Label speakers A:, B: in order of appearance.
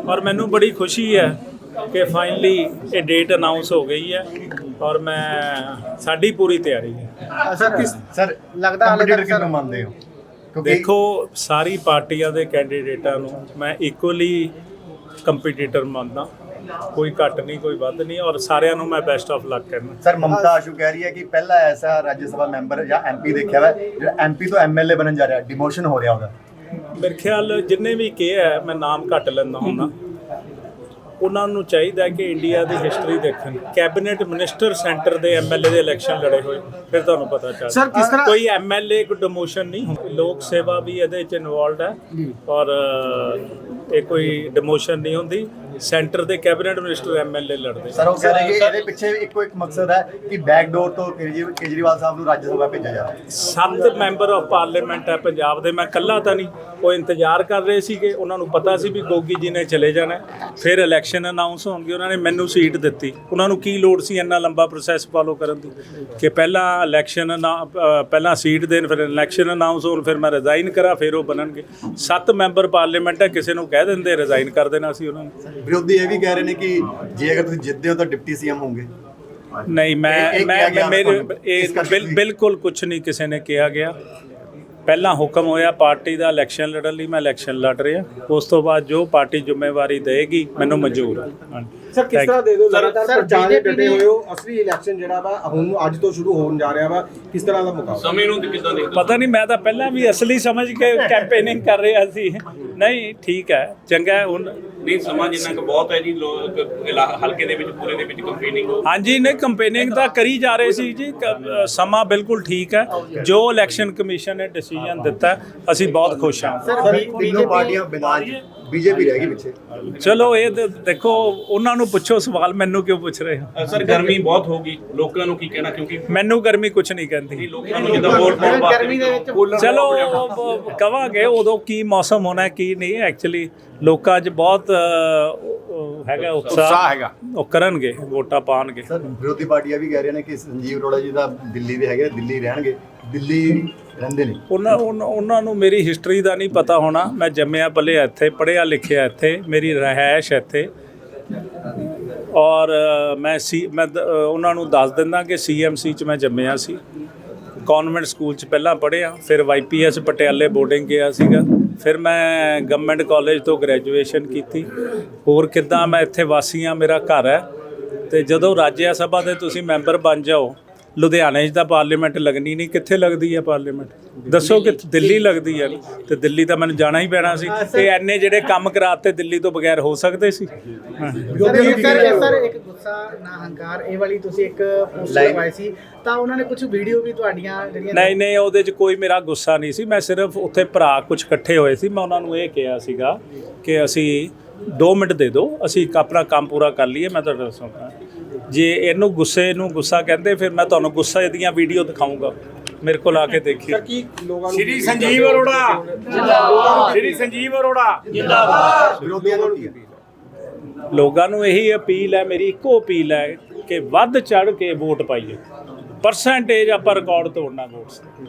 A: और मैनू बड़ी खुशी है कि फाइनली ये डेट अनाउंस हो गई है और मैं साड़ी पूरी तैयारी है।
B: सर लगदा हाले तक सर ਮੰਨਦੇ ਹੋ
A: देखो सारी पार्टियां दे कैंਡੀਡੇਟਾਂ ਨੂੰ मैं इक्वली कंपीटीटर ਮੰਨਦਾ, कोई घट नहीं कोई वध नहीं और सारिਆਂ ਨੂੰ मैं बेस्ट ऑफ लक कहना।
B: सर ममता आशू कह रही है कि पहला ऐसा राज्य सभा मैंबर या एमपी देखा हुआ है जो एमपी तो एमएलए बनन जा रहा है, डिमोशन हो रहा होगा।
A: मेरे ख्याल जिन्हें भी किया है मैं नाम घट लेंदा हुंदा, ਉਹਨਾਂ ਨੂੰ ਚਾਹੀਦਾ ਕਿ ਇੰਡੀਆ ਦੀ ਹਿਸਟਰੀ ਦੇਖਣ। ਕੈਬਨਿਟ ਮਿਨਿਸਟਰ ਸੈਂਟਰ ਦੇ ਐਮਐਲਏ ਦੇ ਇਲੈਕਸ਼ਨ ਲੜੇ ਹੋਏ, ਫਿਰ ਤੁਹਾਨੂੰ ਪਤਾ ਚੱਲ
C: ਸਰ ਕਿਸ ਤਰ੍ਹਾਂ
A: ਕੋਈ ਐਮਐਲਏ ਕੋਈ ਡਿਮੋਸ਼ਨ ਨਹੀਂ ਹੁੰਦੀ, ਲੋਕ ਸੇਵਾ ਵੀ ਇਹਦੇ ਚ ਇਨਵੋਲਡ ਹੈ ਔਰ ਇਹ ਕੋਈ ਡਿਮੋਸ਼ਨ ਨਹੀਂ ਹੁੰਦੀ। ਸੈਂਟਰ ਦੇ ਕੈਬਨਿਟ ਮਿਨਿਸਟਰ ਐਮਐਲਏ ਲੜਦੇ।
B: ਸਰ ਉਹ ਕਹਿ ਰਹੇ ਕਿ ਇਹਦੇ ਪਿੱਛੇ ਇੱਕੋ ਇੱਕ ਮਕਸਦ ਹੈ ਕਿ ਬੈਕਡੋਰ ਤੋਂ ਕੇਜਰੀਵਾਲ ਸਾਹਿਬ ਨੂੰ ਰਾਜ ਸਭਾ ਭੇਜਿਆ ਜਾਵੇ।
A: 7 ਮੈਂਬਰ ਆਫ ਪਾਰਲੀਮੈਂਟ ਹੈ ਪੰਜਾਬ ਦੇ, ਮੈਂ ਇਕੱਲਾ ਤਾਂ ਨਹੀਂ, ਉਹ ਇੰਤਜ਼ਾਰ ਕਰ ਰਹੇ ਸੀਗੇ, ਉਹਨਾਂ ਨੂੰ ਪਤਾ ਸੀ ਵੀ ਗੋਗੀ ਜੀ ਨੇ ਚਲੇ ਜਾਣਾ, ਫਿਰ ਇਲੈਕਸ਼ਨ ਅਨਾਉਂਸ ਹੋਣਗੇ, ਉਹਨਾਂ ਨੇ ਮੈਨੂੰ ਸੀਟ ਦਿੱਤੀ। ਉਹਨਾਂ ਨੂੰ ਕੀ ਲੋੜ ਸੀ ਇੰਨਾ ਲੰਬਾ ਪ੍ਰੋਸੈਸ ਫਾਲੋ ਕਰਨ ਦੀ ਕਿ ਪਹਿਲਾਂ ਇਲੈਕਸ਼ਨ ਪਹਿਲਾਂ ਸੀਟ ਦੇਣ, ਫਿਰ ਇਲੈਕਸ਼ਨ ਅਨਾਉਂਸ ਹੋਣ, ਫਿਰ ਮੈਂ ਰਿਜ਼ਾਈਨ ਕਰਾਂ, ਫਿਰ ਉਹ ਬਣਨਗੇ। 7 ਮੈਂਬਰ ਪਾਰਲੀਮੈਂਟ ਹੈ, ਕਿਸੇ ਨੂੰ ਕਹਿ ਦਿੰਦੇ ਰਿਜ਼ਾਈਨ ਕਰ ਦੇਣਾ ਸੀ ਉਹਨਾਂ ਨੇ।
B: ਵਿਰੋਧੀ ਇਹ ਵੀ ਕਹਿ ਰਹੇ ਨੇ ਕਿ ਜੇ ਅਗਰ ਤੁਸੀਂ ਜਿੱਤਦੇ ਹੋ ਤਾਂ ਡਿਪਟੀ ਸੀਐਮ ਹੋਵੋਗੇ।
A: ਨਹੀਂ ਮੈਂ ਮੇਰੇ ਬਿਲਕੁਲ ਕੁਝ ਨਹੀਂ ਕਿਸੇ ਨੇ ਕਿਹਾ ਗਿਆ। ਪਹਿਲਾਂ ਹੁਕਮ ਹੋਇਆ ਪਾਰਟੀ ਦਾ ਇਲੈਕਸ਼ਨ ਲੜਨ ਲਈ, ਮੈਂ ਇਲੈਕਸ਼ਨ ਲੜ ਰਿਹਾ। ਉਸ ਤੋਂ ਬਾਅਦ ਜੋ ਪਾਰਟੀ ਜ਼ਿੰਮੇਵਾਰੀ ਦੇਗੀ ਮੈਨੂੰ ਮਨਜ਼ੂਰ ਹੈ।
C: ਸਰ ਕਿਸ ਤਰ੍ਹਾਂ ਦੇ ਦਿਓ ਲਗਾਤਾਰ ਪ੍ਰਚਾਰ ਦੇ ਡਟੇ ਹੋਏ ਹੋ, ਅਸਲੀ ਇਲੈਕਸ਼ਨ ਜਿਹੜਾ ਵਾ ਹੁਣ ਅੱਜ ਤੋਂ ਸ਼ੁਰੂ ਹੋਣ ਜਾ ਰਿਹਾ ਵਾ, ਕਿਸ ਤਰ੍ਹਾਂ ਦਾ ਮੁਕਾਬਲਾ ਸਮੇਂ ਨੂੰ ਕਿੱਦਾਂ ਦੇਖਦੇ?
A: ਪਤਾ ਨਹੀਂ, ਮੈਂ ਤਾਂ ਪਹਿਲਾਂ ਵੀ ਅਸਲੀ ਸਮਝ ਕੇ ਕੈਂਪੇਨਿੰਗ ਕਰ ਰਿਹਾ ਸੀ। ਨਹੀਂ ਠੀਕ ਹੈ, ਚੰਗਾ ਹੁਣ
D: ਨਹੀਂ ਸਮਾਂ ਜਿੰਨਾ ਕੁ ਬਹੁਤ ਹੈ ਜੀ, ਲੋਕ ਹਲਕੇ ਦੇ ਵਿੱਚ ਪੂਰੇ ਦੇ ਵਿੱਚ ਕੰਪੇਨਿੰਗ।
A: ਹਾਂਜੀ ਨਹੀਂ ਕੰਪੇਨਿੰਗ ਤਾਂ ਕਰੀ ਜਾ ਰਹੇ ਸੀ ਜੀ, ਸਮਾਂ ਬਿਲਕੁਲ ਠੀਕ ਹੈ। ਜੋ ਇਲੈਕਸ਼ਨ ਕਮਿਸ਼ਨ ਨੇ ਡਿਸੀਜਨ ਦਿੱਤਾ ਅਸੀਂ ਬਹੁਤ ਖੁਸ਼ ਹਾਂ।
B: ਸਰ ਤਿੰਨੋਂ ਪਾਰਟੀਆਂ ਬਿਨਾਂ ਬੀਜੇਪੀ ਰਹਿ ਗਈ ਪਿੱਛੇ।
A: ਚਲੋ ਇਹ ਦੇਖੋ ਉਹਨਾਂ ਨੂੰ ਪੁੱਛੋ ਸਵਾਲ, ਮੈਨੂੰ ਕਿਉਂ ਪੁੱਛ ਰਹੇ ਹੋ?
D: ਸਰ ਗਰਮੀ ਬਹੁਤ ਹੋਗੀ, ਲੋਕਾਂ ਨੂੰ ਕੀ ਕਹਿਣਾ? ਕਿਉਂਕਿ
A: ਮੈਨੂੰ ਗਰਮੀ ਕੁਝ ਨਹੀਂ ਕਹਿੰਦੀ।
D: ਲੋਕਾਂ ਨੂੰ ਜਿੱਦਾਂ ਵੋਟ ਪਾਉਣ ਵਾਸਤੇ
A: ਚਲੋ ਕਵਾਂਗੇ ਉਦੋਂ ਕੀ ਮੌਸਮ ਹੋਣਾ ਕੀ ਨਹੀਂ। ਐਕਚੁਅਲੀ ਲੋਕਾਂ 'ਚ ਬਹੁਤ ਹੈਗਾ ਉਤਸ਼ਾਹ ਹੈਗਾ, ਉਹ ਕਰਨਗੇ, ਵੋਟਾਂ ਪਾਉਣਗੇ।
B: ਸਰ ਵਿਰੋਧੀ ਪਾਰਟੀਆਂ ਵੀ ਕਹਿ ਰਹੀਆਂ ਨੇ ਕਿ ਸੰਜੀਵ ਅਰੋੜਾ ਜੀ ਦਾ ਦਿੱਲੀ ਦੇ ਹੈਗੇ, ਦਿੱਲੀ ਰਹਿਣਗੇ, ਦਿੱਲੀ ਰਹਿੰਦੇ ਨੇ।
A: ਉਹਨਾਂ ਨੂੰ ਮੇਰੀ ਹਿਸਟਰੀ ਦਾ ਨਹੀਂ ਪਤਾ ਹੋਣਾ। ਮੈਂ ਜੰਮਿਆ ਪਲਿਆ ਇੱਥੇ, ਪੜ੍ਹਿਆ ਲਿਖਿਆ ਇੱਥੇ, ਮੇਰੀ ਰਿਹਾਇਸ਼ ਇੱਥੇ ਔਰ ਮੈਂ ਉਹਨਾਂ ਨੂੰ ਦੱਸ ਦਿੰਦਾ ਕਿ CMC 'ਚ ਮੈਂ ਜੰਮਿਆ ਸੀ, ਕਨਵੈਂਟ ਸਕੂਲ 'ਚ ਪਹਿਲਾਂ ਪੜ੍ਹਿਆ, ਫਿਰ YPS ਪਟਿਆਲੇ ਬੋਰਡਿੰਗ ਗਿਆ ਸੀਗਾ, ਫਿਰ ਮੈਂ ਗਵਰਨਮੈਂਟ ਕਾਲਜ ਤੋਂ ਗ੍ਰੈਜੂਏਸ਼ਨ ਕੀਤੀ। ਹੋਰ ਕਿੱਦਾਂ ਮੈਂ ਇੱਥੇ ਵਾਸੀ ਹਾਂ, ਮੇਰਾ ਘਰ ਹੈ। ਅਤੇ ਜਦੋਂ ਰਾਜ ਸਭਾ ਦੇ ਤੁਸੀਂ ਮੈਂਬਰ ਬਣ ਜਾਓ, ਲੁਧਿਆਣੇ 'ਚ ਤਾਂ ਪਾਰਲੀਮੈਂਟ ਲੱਗਣੀ ਨਹੀਂ, ਕਿੱਥੇ ਲੱਗਦੀ ਹੈ ਪਾਰਲੀਮੈਂਟ ਦੱਸੋ? ਕਿ ਦਿੱਲੀ ਲੱਗਦੀ ਹੈ, ਅਤੇ ਦਿੱਲੀ ਤਾਂ ਮੈਨੂੰ ਜਾਣਾ ਹੀ ਪੈਣਾ ਸੀ। ਅਤੇ ਐਨੇ ਜਿਹੜੇ ਕੰਮ ਕਰਾਤੇ ਦਿੱਲੀ ਤੋਂ ਬਗੈਰ ਹੋ ਸਕਦੇ ਸੀ?
E: ਸਰ ਇੱਕ ਗੁੱਸਾ ਨਾ ਹੰਕਾਰ ਇਹ ਵਾਲੀ ਤੁਸੀਂ ਇੱਕ ਪੋਸਟ ਲਗਵਾਈ ਸੀ, ਤਾਂ ਉਹਨਾਂ ਨੇ ਕੁਝ ਵੀਡੀਓ ਵੀ ਤੁਹਾਡੀਆਂ ਜਿਹੜੀਆਂ
A: ਨਹੀਂ ਉਹਦੇ 'ਚ ਕੋਈ ਮੇਰਾ ਗੁੱਸਾ ਨਹੀਂ ਸੀ। ਮੈਂ ਸਿਰਫ ਉੱਥੇ ਭਰਾ ਕੁਝ ਇਕੱਠੇ ਹੋਏ ਸੀ, ਮੈਂ ਉਹਨਾਂ ਨੂੰ ਇਹ ਕਿਹਾ ਸੀਗਾ ਕਿ ਅਸੀਂ 2 ਮਿੰਟ ਦੇ ਦਿਓ, ਅਸੀਂ ਆਪਣਾ ਕੰਮ ਪੂਰਾ ਕਰ ਲਈਏ। ਮੈਂ ਤੁਹਾਡਾ ਦੱਸਾਂਗਾ ਜੇ ਇਹਨੂੰ ਗੁੱਸੇ ਨੂੰ ਗੁੱਸਾ ਕਹਿੰਦੇ, ਫਿਰ ਮੈਂ ਤੁਹਾਨੂੰ ਗੁੱਸੇ ਦੀਆਂ ਵੀਡੀਓ ਦਿਖਾਊਂਗਾ, ਮੇਰੇ ਕੋਲ ਆ ਕੇ ਦੇਖਿਓ।
D: ਸ਼੍ਰੀ ਸੰਜੀਵ ਅਰੋੜਾ ਜਿੰਦਾਬਾਦ, ਸ਼੍ਰੀ ਸੰਜੀਵ ਅਰੋੜਾ ਜਿੰਦਾਬਾਦ।
B: ਵਿਰੋਧੀਆਂ ਨੂੰ ਕੀ
A: ਲੋਕਾਂ ਨੂੰ ਇਹੀ ਅਪੀਲ ਹੈ, ਮੇਰੀ ਇੱਕੋ ਅਪੀਲ ਹੈ ਕਿ ਵੱਧ ਚੜ੍ਹ ਕੇ ਵੋਟ ਪਾਈਏ। ਪਰਸੈਂਟੇਜ ਆਪਾਂ ਰਿਕਾਰਡ ਤੋੜਨਾ ਵੋਟਸ।